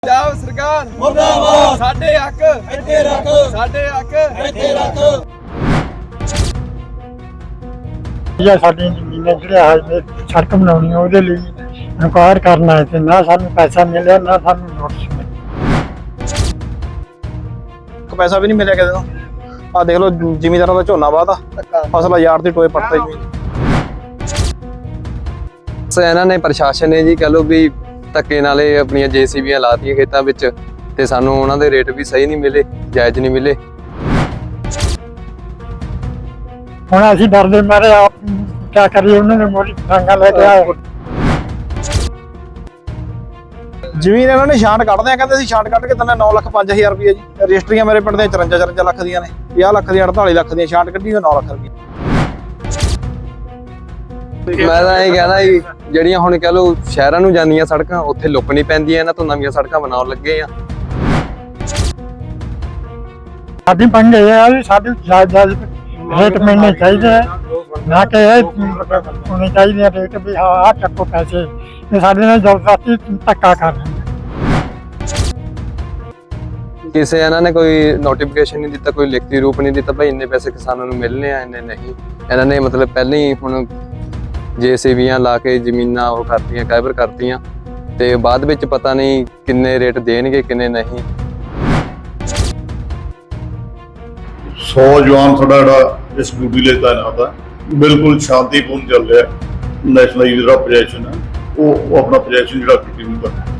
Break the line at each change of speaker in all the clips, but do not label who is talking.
ਪੰਜਾਬ ਸਰਕਾਰ
ਮੁਰਦਾਬਾਦ।
ਸਾਡੇ ਹੱਕ
ਇੱਥੇ ਰੱਖ,
ਸਾਡੇ ਹੱਕ
ਇੱਥੇ ਰੱਖ।
ਜਾਂ ਸਾਡੀ ਜ਼ਮੀਨਾਂ ਜਿਹੜੀਆਂ ਹੈ ਸੜਕ ਬਣਾਉਣੀ ਉਹਦੇ ਲਈ ਇਨਕੁਆਇਰ ਕਰਨਾ ਹੈ ਤੇ ਨਾ ਸਾਨੂੰ ਪੈਸਾ ਮਿਲਿਆ ਨਾ ਸਾਨੂੰ ਨੋਟਿਸ ਮਿਲਿਆ।
ਪੈਸਾ ਵੀ ਨਹੀਂ ਮਿਲਿਆ ਕਿਸੇ ਨੂੰ। ਆ ਦੇਖ ਲਓ ਜ਼ਿਮੀਂਦਾਰਾਂ ਦਾ ਝੋਨਾ ਵਾਹਤਾ ਫਸਲ ਯਾਰ ਦੀ ਟੋਏ ਪੱਟਦੇ ਜ਼ਮੀਨ।
ਇਹਨਾਂ ਨੇ ਪ੍ਰਸ਼ਾਸਨ ਨੇ ਜੀ ਕਹ ਲਓ ਵੀ ਧੱਕੇ ਨਾਲੇ ਆਪਣੀਆਂ ਜੇਸੀਬੀਆਂ ਲਾਤੀਆਂ ਖੇਤਾਂ ਵਿੱਚ ਤੇ ਸਾਨੂੰ ਉਹਨਾਂ ਦੇ ਰੇਟ ਵੀ ਸਹੀ ਨਹੀਂ ਮਿਲੇ, ਜਾਇਜ਼ ਨਹੀਂ ਮਿਲੇ।
ਹੁਣ ਅਸੀਂ ਡਰਦੇ ਮਾਰੇ ਆਪ ਕੀ ਕਰੀਏ, ਉਹਨਾਂ ਨੇ ਮੋਰੀ ਡਾਂਗਾ ਲੈ ਕੇ ਆਏ।
ਜ਼ਮੀਨ ਇਹਨਾਂ ਨੇ ਛਾਂਟ ਕੱਢਦੇ ਆ, ਕਹਿੰਦੇ ਅਸੀਂ ਛਾਂਟ ਕੱਢ ਕੇ ਦਿੰਦੇ 9 ਲੱਖ 5000 ਰੁਪਏ ਜੀ। ਰਜਿਸਟਰੀਆਂ ਮੇਰੇ ਪਿੰਡ ਦੇ 54 ਲੱਖ ਦੀਆਂ ਨੇ, 50 ਲੱਖ ਦੀਆਂ 48 ਲੱਖ ਦੀਆਂ ਛਾਂਟ ਕੱਢੀ 9 ਲੱਖ ਰੁਪਏ।
ਮੈਂ ਤਾਂ ਇਹ ਕਹਿਣਾ ਜੀ ਜਿਹੜੀਆਂ ਹੁਣ ਕਹ ਲਓ ਸ਼ਹਿਰਾਂ ਨੂੰ ਜਾਂਦੀਆਂ ਸੜਕਾਂ ਉੱਥੇ ਲੁੱਕ ਨਹੀਂ ਪੈਂਦੀਆਂ, ਇਹਨਾਂ ਤੋਂ ਨਵੀਆਂ ਸੜਕਾਂ ਬਣਾਉਣ ਲੱਗੇ ਆ।
ਸਾਡੀ ਮੰਗ ਇਹ ਹੈ ਵੀ ਸਾਡੀ ਜਾਇਜ਼ ਰੇਟ ਮਿਲਣੇ ਚਾਹੀਦੇ ਹੈ, ਨਾ ਕਿ ਇਹ ਹੋਣੇ ਚਾਹੀਦੇ ਰੇਟ ਵੀ ਹਾਂ ਆਹ ਚੱਕੋ ਪੈਸੇ। ਇਹ ਸਾਡੇ ਨਾਲ ਜ਼ਬਰਦਸਤੀ ਧੱਕਾ ਕਰ ਰਹੇ ਨੇ।
ਕਿਸੇ ਇਹਨਾਂ ਨੇ ਕੋਈ ਨੋਟੀਫਿਕੇਸ਼ਨ ਨਹੀਂ ਦਿੱਤਾ, ਕੋਈ ਲਿਖਤੀ ਰੂਪ ਨਹੀਂ ਦਿੱਤਾ ਭਾਈ ਇੰਨੇ ਪੈਸੇ ਕਿਸਾਨਾਂ ਨੂੰ ਮਿਲਣੇ ਆ, ਇੰਨੇ ਨਹੀਂ। ਇਹਨਾਂ ਨੇ ਮਤਲਬ ਪਹਿਲਾਂ ਹੀ ਹੁਣ ਜੇਸੀਬੀਆਂ ਲਾ ਕੇ ਜ਼ਮੀਨਾਂ ਉਹ ਕਰਤੀਆਂ, ਕਾਇਬਰ ਕਰਤੀਆਂ ਤੇ ਬਾਅਦ ਵਿੱਚ ਪਤਾ ਨਹੀਂ ਕਿੰਨੇ ਰੇਟ ਦੇਣਗੇ ਕਿੰਨੇ ਨਹੀਂ।
100 ਜਵਾਨ ਸਾਡਾ ਜਿਹੜਾ ਇਸ ਡਿਊਟੀ ਲਈ ਤਾਇਨਾਤ ਹੈ, ਬਿਲਕੁਲ ਸ਼ਾਂਤੀਪੂਰਨ ਚੱਲ ਰਿਹਾ। ਨੈਸ਼ਨਲ ਜਿਹੜਾ ਪ੍ਰੋਜੈਕਸ਼ਨ ਹੈ ਉਹ ਆਪਣਾ ਪ੍ਰੋਜੈਕਸ਼ਨ ਜਿਹੜਾ ਕੰਟੀਨਿਊ ਕਰ ਰਿਹਾ।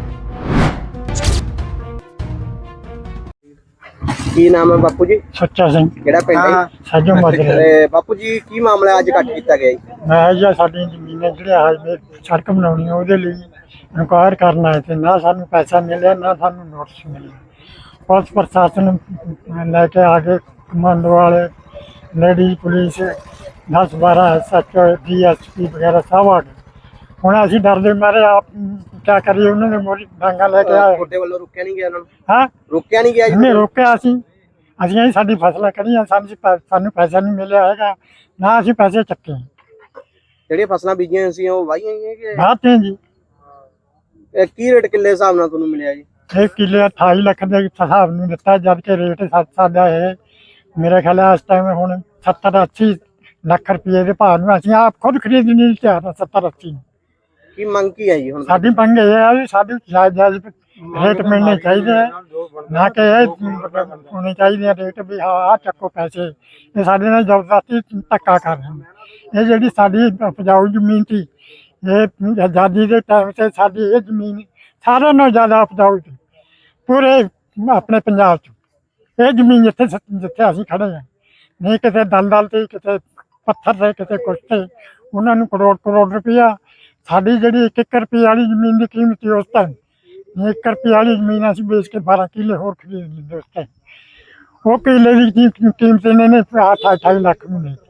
ਕੀ ਨਾਮ ਹੈ ਬਾਪੂ ਜੀ?
ਸੱਚਾ ਸਿੰਘ
ਕਿਹੜਾ ਪਿੰਡ ਹੈ?
ਸਾਜੋ ਮਾਜਰੇ।
ਤੇ ਬਾਪੂ ਜੀ ਕੀ ਮਾਮਲਾ ਅੱਜ ਕੱਟ ਕੀਤਾ ਗਿਆ ਜੀ?
ਮੈਂ ਜਾਂ ਸਾਡੀ ਜ਼ਮੀਨਾਂ ਜਿਹੜੀਆਂ ਹੈ ਸੜਕ ਬਣਾਉਣੀ ਉਹਦੇ ਲਈ ਇਨਕੁਆਇਰ ਕਰਨਾ ਹੈ ਤੇ ਨਾ ਸਾਨੂੰ ਪੈਸਾ ਮਿਲਿਆ ਨਾ ਸਾਨੂੰ ਨੋਟਿਸ ਮਿਲਿਆ। ਪੁਲਿਸ ਪ੍ਰਸ਼ਾਸਨ ਲੈ ਕੇ ਆ ਕੇ ਕਮਾਂਡੋ ਵਾਲੇ, ਲੇਡੀ ਪੁਲਿਸ 10-12 SHO DSP ਵਗੈਰਾ ਸਭ ਆ ਗਏ। ਹੁਣ ਅਸੀਂ ਡਰਦੇ ਮਾਰੇ ਆਪ ਕੀ ਕਰੀਏ, ਉਹਨਾਂ ਨੇ ਮੋਰੀ ਡਾਂਗਾ ਲੈ ਕੇ ਆਏ।
ਤੁਹਾਡੇ ਵੱਲੋਂ ਰੁਕਿਆ ਨਹੀਂ ਗਿਆ ਉਹਨਾਂ ਨੂੰ?
ਹਾਂ,
ਰੁਕਿਆ ਨਹੀਂ ਗਿਆ ਜੀ?
ਇਹਨੇ ਰੋਕਿਆ ਅਸੀਂ ਸਾਡੀ ਫਸਲਾਂ ਕਰੀਆਂ, ਸਾਨੂੰ ਪੈਸਾ ਨਹੀਂ ਮਿਲਿਆ ਹੈਗਾ, ਨਾ ਅਸੀਂ ਪੈਸੇ ਚੱਕੇ।
ਜਿਹੜੀਆਂ ਫਸਲਾਂ ਬੀਜੀਆਂ ਸੀ ਉਹ ਵਾਹੀਆਂ ਹੀ ਹੈ ਕਿ
ਬਾਤ ਹੈ ਜੀ।
ਇਹ ਕੀ ਰੇਟ ਕਿੱਲੇ ਹਿਸਾਬ ਨਾਲ ਤੁਹਾਨੂੰ ਮਿਲਿਆ ਜੀ?
ਇਹ ਕਿੱਲੇ 28 ਲੱਖ ਦੇ ਹਿਸਾਬ ਨੂੰ ਦਿੱਤਾ, ਜਦ ਕਿ ਰੇਟ ਸਾਡਾ ਇਹ ਮੇਰੇ ਖਿਆਲ ਇਸ ਟਾਈਮ ਹੁਣ 70-80 ਲੱਖ ਰੁਪਏ ਦੇ ਭਾਅ ਨੂੰ ਅਸੀਂ ਆਪ ਖੁਦ ਖਰੀਦ ਨਹੀਂ ਚਾਹਤਾ। 70-80
ਕੀ ਮੰਗ ਕੀ ਹੈ ਜੀ ਹੁਣ?
ਸਾਡੀ ਮੰਗ ਇਹ ਹੈ ਵੀ ਸਾਡੀ ਜਾਇਜ਼ ਰੇਟ ਮਿਲਣੇ ਚਾਹੀਦੇ ਹੈ, ਨਾ ਕਿ ਇਹ ਹੋਣੇ ਚਾਹੀਦੇ ਰੇਟ ਵੀ ਹਾਂ ਆਹ ਚੱਕੋ ਪੈਸੇ। ਇਹ ਸਾਡੇ ਨਾਲ ਜ਼ਬਰਦਸਤੀ ਧੱਕਾ ਕਰ ਰਹੇ ਨੇ। ਇਹ ਜਿਹੜੀ ਸਾਡੀ ਉਪਜਾਊ ਜ਼ਮੀਨ ਸੀ, ਇਹ ਆਜ਼ਾਦੀ ਦੇ ਟਾਈਮ 'ਤੇ ਸਾਡੀ ਇਹ ਜ਼ਮੀਨ ਸਾਰਿਆਂ ਨਾਲੋਂ ਜ਼ਿਆਦਾ ਉਪਜਾਊ ਸੀ ਪੂਰੇ ਆਪਣੇ ਪੰਜਾਬ 'ਚ। ਇਹ ਜ਼ਮੀਨ ਜਿੱਥੇ ਅਸੀਂ ਖੜੇ ਹਾਂ, ਨਹੀਂ ਕਿਤੇ ਦਲਦਲ ਤੇ, ਕਿਤੇ ਪੱਥਰ ਤੇ, ਕਿਤੇ ਕੁਛ ਤੇ, ਉਹਨਾਂ ਨੂੰ ਕਰੋੜ ਰੁਪਇਆ। ਸਾਡੀ ਜਿਹੜੀ 1 ਰੁਪਏ ਵਾਲੀ ਜ਼ਮੀਨ ਦੀ ਕੀਮਤ ਸੀ ਉਸ ਟਾਈਮ, 1 ਰੁਪਏ ਵਾਲੀ ਜ਼ਮੀਨ ਅਸੀਂ ਵੇਚ ਕੇ 12 ਕਿੱਲੇ ਹੋਰ ਖਰੀਦ ਲੈਂਦੇ ਉਸ ਟਾਈਮ। ਉਹ ਕਿੱਲੇ ਦੀ ਕੀਮਤ ਇਹਨਾਂ ਨੇ 28 ਲੱਖ ਨੂੰ ਲਈ।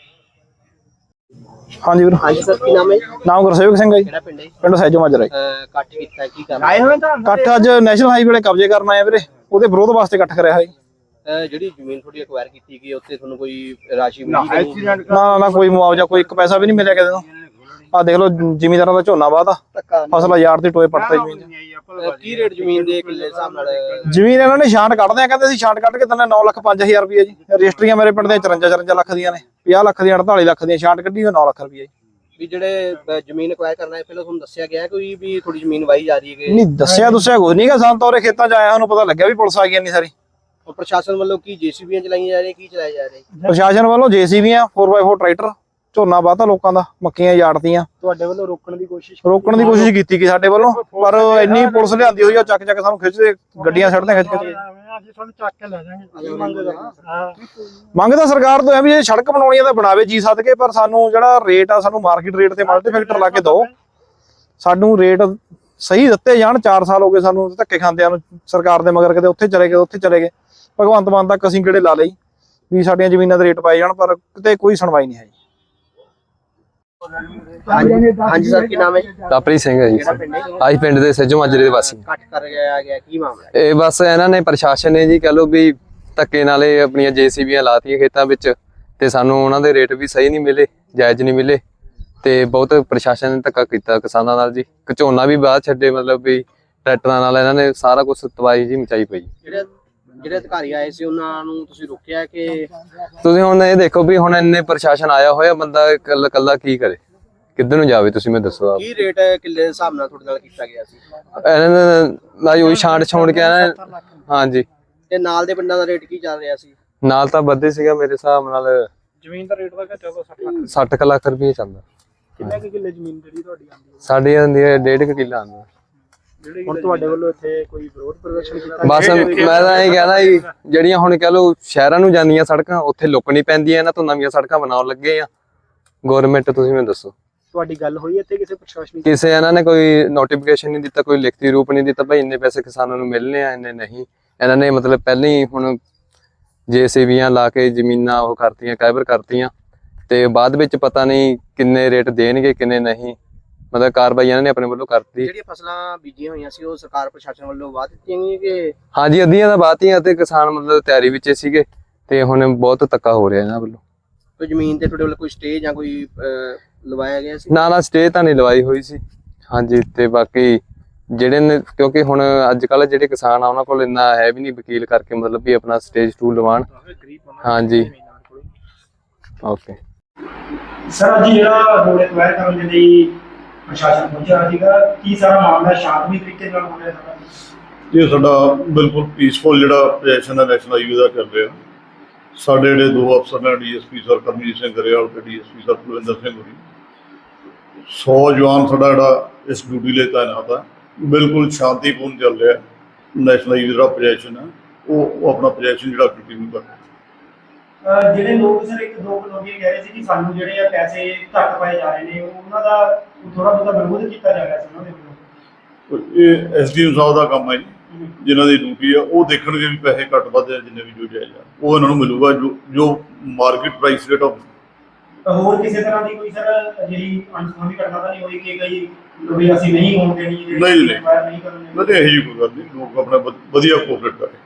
ਹਾਂਜੀ ਵੀਰ।
ਹਾਂਜੀ ਸਰ, ਕੀ ਨਾਮ ਹੈ?
ਨਾਮ ਗੁਰਸੇਵਕ ਸਿੰਘ ਹੈ ਜੀ,
ਕਿਹੜਾ ਪਿੰਡ ਹੈ?
ਪਿੰਡ ਸੈਜੋ ਮਾਜਰਾ।
ਕੱਟ ਕੀਤਾ ਕੀ ਕਰਨਾ ਆਏ ਹੋਏ ਤਾਂ?
ਇਕੱਠ ਅੱਜ ਨੈਸ਼ਨਲ ਹਾਈਵੇ ਵਾਲੇ ਕਬਜ਼ੇ ਕਰਨ ਆਏ ਵੀਰੇ, ਉਹਦੇ ਵਿਰੋਧ ਵਾਸਤੇ ਇਕੱਠ ਕਰਿਆ ਹੈ।
ਜਿਹੜੀ ਜ਼ਮੀਨ ਤੁਹਾਡੀ ਅਕਵਾਇਰ ਕੀਤੀ ਗਈ ਉੱਤੇ ਤੁਹਾਨੂੰ ਕੋਈ ਰਾਸ਼ੀ ਮਿਲੀ?
ਨਾ ਕੋਈ ਮੁਆਵਜ਼ਾ, ਕੋਈ ਇੱਕ ਪੈਸਾ ਵੀ ਨਹੀਂ ਮਿਲਿਆ ਕਿਸੇ ਨੂੰ। ਆ ਦੇਖ ਲਓ ਜ਼ਿਮੀਂਦਾਰਾਂ ਦਾ ਝੋਨਾ ਵਾਹਤਾ ਫਸਲ ਯਾਰ ਦੀ ਟੋਏ ਪੱਟਦੇ ਜ਼ਮੀਨ।
ਕੀ ਰੇਟ ਜ਼ਮੀਨ ਦੇ ਕਿੱਲੇ ਹਿਸਾਬ ਨਾਲ?
ਜ਼ਮੀਨ ਇਹਨਾਂ ਨੇ ਛਾਂਟ ਕੱਢਦੇ ਆ, ਕਹਿੰਦੇ ਅਸੀਂ ਛਾਂਟ ਕੱਢ ਕੇ ਦਿੰਦੇ 9 ਲੱਖ 5000 ਰੁਪਏ ਜੀ। ਰਜਿਸਟਰੀਆਂ ਮੇਰੇ ਪਿੰਡ ਦੇ 54 ਲੱਖ ਦੀਆਂ ਨੇ, 50 ਲੱਖ ਦੀਆਂ 48 ਲੱਖ ਦੀਆਂ ਛਾਂਟ ਕੱਢੀ 9 ਲੱਖ ਰੁਪਏ ਜੀ।
ਵੀ ਜਿਹੜੇ ਜ਼ਮੀਨ ਅਕਵਾਇਰ ਕਰਨਾ ਹੈ ਪਹਿਲਾਂ ਤੁਹਾਨੂੰ ਦੱਸਿਆ ਗਿਆ ਕੋਈ ਵੀ ਥੋੜੀ ਜ਼ਮੀਨ ਵਾਹੀ ਜਾ ਰਹੀ ਹੈ?
ਨਹੀਂ ਦੱਸਿਆ ਕੁਝ ਨਹੀਂਗਾ ਸਾਨੂੰ ਤਾਂ। ਉਹਦੇ ਖੇਤਾਂ 'ਚ ਆਇਆ ਸਾਨੂੰ ਪਤਾ ਲੱਗਿਆ ਵੀ ਪੁਲਿਸ ਆ ਗਈ ਇੰਨੀ ਸਾਰੀ।
ਪ੍ਰਸ਼ਾਸਨ ਵੱਲੋਂ ਕੀ ਜੇਸੀਬੀਆਂ ਚਲਾਈਆਂ ਜਾ ਰਹੀਆਂ, ਕੀ ਚਲਾਇਆ ਜਾ ਰਿਹਾ?
ਪ੍ਰਸ਼ਾਸਨ ਵੱਲੋਂ ਜੇਸੀਬੀਆਂ 4x4 ਟਰੈਕਟਰ, ਝੋਨਾ ਵਾਹਤਾ ਲੋਕਾਂ ਦਾ, ਮੱਕੀਆਂ ਯਾੜਤੀਆਂ।
ਤੁਹਾਡੇ ਵੱਲੋਂ ਰੋਕਣ ਦੀ ਕੋਸ਼ਿਸ਼
ਕੀਤੀ ਗਈ ਸਾਡੇ ਵੱਲੋਂ, ਪਰ ਇੰਨੀ ਪੁਲਿਸ ਲਿਆਂਦੀ ਹੋਈ ਆ, ਚੱਕ ਸਾਨੂੰ ਖਿੱਚਦੇ ਗੱਡੀਆਂ ਛੱਡਦੇ ਖਿੱਚ ਕੇ।
ਅਸੀਂ ਤੁਹਾਨੂੰ ਚੱਕ ਕੇ ਲੈ ਜਾਵਾਂਗੇ।
ਮੰਗ ਤਾਂ ਸਰਕਾਰ ਤੋਂ ਹੈ ਵੀ ਜੇ ਸੜਕ ਬਣਾਉਣੀ ਆ ਤਾਂ ਬਣਾਵੇ ਜੀ ਸਦ ਕੇ, ਪਰ ਸਾਨੂੰ ਜਿਹੜਾ ਰੇਟ ਆ ਸਾਨੂੰ ਮਾਰਕੀਟ ਰੇਟ ਤੇ ਮਲਟੀਫੈਕਟਰ ਲਾ ਕੇ ਦਿਓ। ਸਾਨੂੰ ਰੇਟ ਸਹੀ ਦਿੱਤੇ ਜਾਣ। 4 ਸਾਲ ਹੋ ਗਏ ਸਾਨੂੰ ਧੱਕੇ ਖਾਂਦਿਆਂ ਨੂੰ ਸਰਕਾਰ ਦੇ ਮਗਰ, ਕਿਤੇ ਉੱਥੇ ਚਲੇ ਗਏ ਭਗਵੰਤ ਮਾਨ ਤੱਕ ਅਸੀਂ ਕਿਹੜੇ ਲਾ ਲਈ ਵੀ ਸਾਡੀਆਂ ਜ਼ਮੀਨਾਂ ਦੇ ਰੇਟ ਪਾਏ ਜਾਣ, ਪਰ ਕਿਤੇ ਕੋਈ ਸੁਣਵਾਈ ਨਹੀਂ ਹੈ ਜੀ।
ਹਾਂਜੀ ਸਰ, ਕੀ ਨਾਮ ਹੈ?
ਕਾਪਰੀ ਸਿੰਘ ਹੈ ਜੀ, ਆਹੀ ਪਿੰਡ ਦੇ ਸੱਜੋ ਮਾਜਰੇ ਦੇ ਵਾਸੀ।
ਕੱਟ ਕਰ ਗਿਆ ਕੀ ਮਾਮਲਾ?
ਇਹ ਬਸ ਇਹਨਾਂ ਨੇ ਪ੍ਰਸ਼ਾਸਨ ਨੇ ਜੀ ਕਹ ਲਓ ਵੀ ਧੱਕੇ ਨਾਲੇ ਆਪਣੀਆਂ ਜੇਸੀਬੀਆਂ ਲਾਤੀਆਂ ਖੇਤਾਂ ਵਿੱਚ ਤੇ ਸਾਨੂੰ ਉਹਨਾਂ ਦੇ ਰੇਟ ਵੀ ਸਹੀ ਨਹੀਂ ਮਿਲੇ, ਜਾਇਜ਼ ਨਹੀਂ ਮਿਲੇ ਤੇ ਬਹੁਤ ਪ੍ਰਸ਼ਾਸਨ ਨੇ ਧੱਕਾ ਕੀਤਾ ਕਿਸਾਨਾਂ ਨਾਲ ਜੀ। ਝੋਨਾ ਵੀ ਬਾਅਦ ਛੱਡੇ, ਮਤਲਬ ਵੀ ਟਰੈਕਟਰਾਂ ਨਾਲ ਇਹਨਾਂ ਨੇ ਸਾਰਾ ਕੁਝ ਤਬਾਹੀ ਜੀ ਮਚਾਈ ਪਈ।
ਜਿਹੜੇ ਅਧਿਕਾਰੀ ਆਏ ਸੀ ਉਹਨਾਂ ਨੂੰ ਤੁਸੀਂ ਰੋਕਿਆ ਕਿ
ਤੁਸੀਂ ਹੁਣ ਇਹ ਦੇਖੋ ਵੀ ਹੁਣ ਇੰਨੇ ਪ੍ਰਸ਼ਾਸਨ ਆਇਆ ਹੋਇਆ, ਬੰਦਾ ਇਕੱਲਾ ਇਕੱਲਾ ਕੀ ਕਰੇ, ਕਿੱਧਰ ਨੂੰ ਜਾਵੇ, ਤੁਸੀਂ ਮੈਨੂੰ ਦੱਸੋ ਆਪ।
ਕੀ ਰੇਟ ਕਿੱਲੇ ਦੇ ਹਿਸਾਬ ਨਾਲ ਤੁਹਾਡੇ ਨਾਲ ਕੀਤਾ ਗਿਆ ਸੀ?
ਇਹਨਾਂ ਨੇ ਲਾਈ ਉਹੀ ਛਾਂਟ ਛੋੜ ਕੇ ਆਣਾ। ਹਾਂਜੀ,
ਤੇ ਨਾਲ ਦੇ ਪਿੰਡਾਂ ਦਾ ਰੇਟ ਕੀ ਚੱਲ ਰਿਹਾ ਸੀ?
ਨਾਲ ਤਾਂ ਵੱਧੇ ਸੀਗਾ ਮੇਰੇ ਹਿਸਾਬ ਨਾਲ।
ਜ਼ਮੀਨ ਦਾ ਰੇਟ ਦਾ ਘਟਿਆ ਤਾਂ
60 ਲੱਖ ਰੁਪਏ ਚੱਲਦਾ।
ਕਿੰਨੇ ਕੁ ਕਿੱਲੇ ਜ਼ਮੀਨ ਜਿਹੜੀ ਤੁਹਾਡੀ ਆਉਂਦੀ ਹੈ?
ਸਾਡੀ ਆਉਂਦੀ ਹੈ 1.5 ਕਿੱਲਾ ਆਉਂਦਾ।
ਹੁਣ ਤੁਹਾਡੇ ਵੱਲੋਂ ਇੱਥੇ ਕੋਈ ਵਿਰੋਧ ਪ੍ਰਦਰਸ਼ਨ ਕੀਤਾ?
ਬਸ ਮੈਂ ਤਾਂ ਇਹ ਕਹਿਣਾ ਜੀ, ਜਿਹੜੀਆਂ ਹੁਣ ਕਹ ਲਓ ਸ਼ਹਿਰਾਂ ਨੂੰ ਜਾਂਦੀਆਂ ਸੜਕਾਂ ਉੱਥੇ ਲੁੱਕਣੀ ਪੈਂਦੀਆਂ, ਇਹਨਾਂ ਤੋਂ ਨਵੀਆਂ ਸੜਕਾਂ ਬਣਾਉਣ ਲੱਗੇ ਆ ਗਵਰਨਮੈਂਟ। ਤੁਸੀਂ ਮੈਨੂੰ ਦੱਸੋ
ਤੁਹਾਡੀ ਗੱਲ ਹੋਈ ਇੱਥੇ ਕਿਸੇ ਪ੍ਰਸ਼ਾਸਨਿਕ?
ਕਿਸੇ ਇਹਨਾਂ ਨੇ ਕੋਈ ਨੋਟੀਫਿਕੇਸ਼ਨ ਨਹੀਂ ਦਿੱਤਾ, ਕੋਈ ਲਿਖਤੀ ਰੂਪ ਨਹੀਂ ਦਿੱਤਾ ਭਾਈ ਇੰਨੇ ਪੈਸੇ ਕਿਸਾਨਾਂ ਨੂੰ ਮਿਲਨੇ ਆ, ਇੰਨੇ ਨਹੀਂ। ਇਹਨਾਂ ਨੇ ਮਤਲਬ ਪਹਿਲਾਂ ਹੀ ਹੁਣ JCBਆਂ ਲਾ ਕੇ ਜ਼ਮੀਨਾਂ ਉਹ ਕਰਤੀਆਂ, ਕਾਇਬਰ ਕਰਤੀਆਂ, ਤੇ ਬਾਅਦ ਵਿੱਚ ਪਤਾ ਨਹੀਂ ਕਿੰਨੇ ਰੇਟ ਦੇਣਗੇ ਕਿੰਨੇ ਨਹੀਂ, ਮਤਲਬ ਕਾਰਵਾਈ ਇਹਨਾਂ ਨੇ ਆਪਣੇ ਵੱਲੋਂ ਕਰਤੀ।
ਜਿਹੜੀਆਂ ਫਸਲਾਂ ਬੀਜੀਆਂ ਹੋਈਆਂ ਸੀ ਉਹ ਸਰਕਾਰ ਪ੍ਰਸ਼ਾਸਨ ਵੱਲੋਂ ਵਾਅ ਦਿੱਤੀਆਂ ਗਈਆਂ ਕਿ?
ਹਾਂਜੀ, ਅੱਧੀਆਂ ਤਾਂ ਬਾਤੀਆਂ ਤੇ ਕਿਸਾਨ ਮਤਲਬ ਤਿਆਰੀ ਵਿੱਚ ਸੀਗੇ, ਤੇ ਹੁਣ ਬਹੁਤ ਧੱਕਾ ਹੋ ਰਿਹਾ ਇਹਨਾਂ ਵੱਲੋਂ।
ਕੋਈ ਜ਼ਮੀਨ ਤੇ ਤੁਹਾਡੇ ਵੱਲੋਂ ਕੋਈ ਸਟੇ ਜਾਂ ਕੋਈ ਲਵਾਇਆ ਗਿਆ ਸੀ?
ਨਾ ਸਟੇ ਤਾਂ ਨਹੀਂ ਲਵਾਈ ਹੋਈ ਸੀ। ਹਾਂਜੀ, ਤੇ ਬਾਕੀ ਜਿਹੜੇ ਨੇ, ਕਿਉਂਕਿ ਹੁਣ ਅੱਜ ਕੱਲ ਜਿਹੜੇ ਕਿਸਾਨ ਆ ਉਹਨਾਂ ਕੋਲ ਇੰਨਾ ਹੈ ਵੀ ਨਹੀਂ ਵਕੀਲ ਕਰਕੇ ਮਤਲਬ ਵੀ ਆਪਣਾ ਸਟੇਜ 2 ਲਵਾਣ। ਹਾਂਜੀ, ਓਕੇ
ਸਰ ਅੱਜ ਜਿਹੜਾ ਰੋਡ ਐਕਵਾਇਰ ਕਰਨ ਦੇ ਲਈ ਪ੍ਰਸ਼ਾਸਨ ਪਹੁੰਚਿਆ ਸੀਗਾ, ਕੀ ਸਾਰਾ ਮਾਮਲਾ ਸ਼ਾਂਤਮਈ ਤਰੀਕੇ ਨਾਲ ਹੋ ਰਿਹਾ ਸਾਰਾ?
ਇਹ ਸਾਡਾ ਬਿਲਕੁਲ ਪੀਸਫੁਲ ਜਿਹੜਾ ਪ੍ਰੋਜੈਕਸ਼ਨ ਹੈ ਨੈਸ਼ਨਲ ਹਾਈਵੇ ਦਾ ਕਰ ਰਿਹਾ। ਸਾਡੇ ਜਿਹੜੇ ਦੋ ਅਫਸਰ ਨੇ, DSP ਸਰ ਕਰਮਜੀਤ ਸਿੰਘ ਗਰੇਵਾਲ ਤੇ DSP ਸਰ ਕੁਲਵਿੰਦਰ ਸਿੰਘ ਹੋਰੀ, 100 ਜਵਾਨ ਸਾਡਾ ਜਿਹੜਾ ਇਸ ਡਿਊਟੀ ਲਈ ਤਾਇਨਾਤ ਹੈ। ਬਿਲਕੁਲ ਸ਼ਾਂਤੀਪੂਰਨ ਚੱਲ ਰਿਹਾ। ਨੈਸ਼ਨਲ ਹਾਈਵੇ ਜਿਹੜਾ ਪ੍ਰੋਜੈਕਸ਼ਨ ਹੈ ਉਹ ਆਪਣਾ ਪ੍ਰੋਜੈਕਸ਼ਨ ਜਿਹੜਾ ਕੰਟੀਨਿਊ ਕਰ ਰਿਹਾ।
ਜਿਹੜੇ ਲੋਕ ਸਰ ਇੱਕ ਦੋ ਲੋਕੀ ਕਹਿ ਰਹੇ ਸੀ ਕਿ ਸਾਨੂੰ ਜਿਹੜੇ ਆ ਪੈਸੇ ਘੱਟ ਪਾਏ ਜਾ ਰਹੇ ਨੇ, ਉਹਨਾਂ ਦਾ ਥੋੜਾ ਬਹੁਤਾ ਵਿਰੋਧ ਕੀਤਾ ਜਾ ਰਿਹਾ ਸੀ ਉਹਨਾਂ ਦੇ ਵੱਲੋਂ।
ਇਹ SDM ਸਾਹਿਬ ਦਾ ਕੰਮ ਹੈ ਜੀ, ਜਿਨ੍ਹਾਂ ਦੀ ਡਿਊਟੀ ਆ ਉਹ ਦੇਖਣਗੇ ਵੀ ਪੈਸੇ ਘੱਟ ਵੱਧ ਆ, ਜਿੰਨੇ ਵੀ ਜੋ ਜਾਇਜ਼ ਆ ਉਹ ਇਹਨਾਂ ਨੂੰ ਮਿਲੂਗਾ, ਜੋ ਮਾਰਕੀਟ ਪ੍ਰਾਈਸ ਰੇਟ ਆਫ।
ਹੋਰ ਕਿਸੇ ਤਰ੍ਹਾਂ ਦੀ ਕੋਈ ਸਰ ਜਿਹੜੀ ਅਣਸੁਖਾਵੀ ਘਟਨਾ ਤਾਂ ਨਹੀਂ ਹੋਈ ਕਿ ਕਈ ਵੀ ਅਸੀਂ ਨਹੀਂ ਹੋਣ ਦੇਣੀ,
ਨਹੀਂ
ਨਹੀਂ ਕਰਨੀ?
ਨਹੀਂ, ਇਹੋ ਜਿਹੀ ਕੋਈ ਗੱਲ ਨਹੀਂ। ਲੋਕ ਆਪਣਾ ਵਧੀਆ ਕੋਆਪਰੇਟ ਕਰੇ।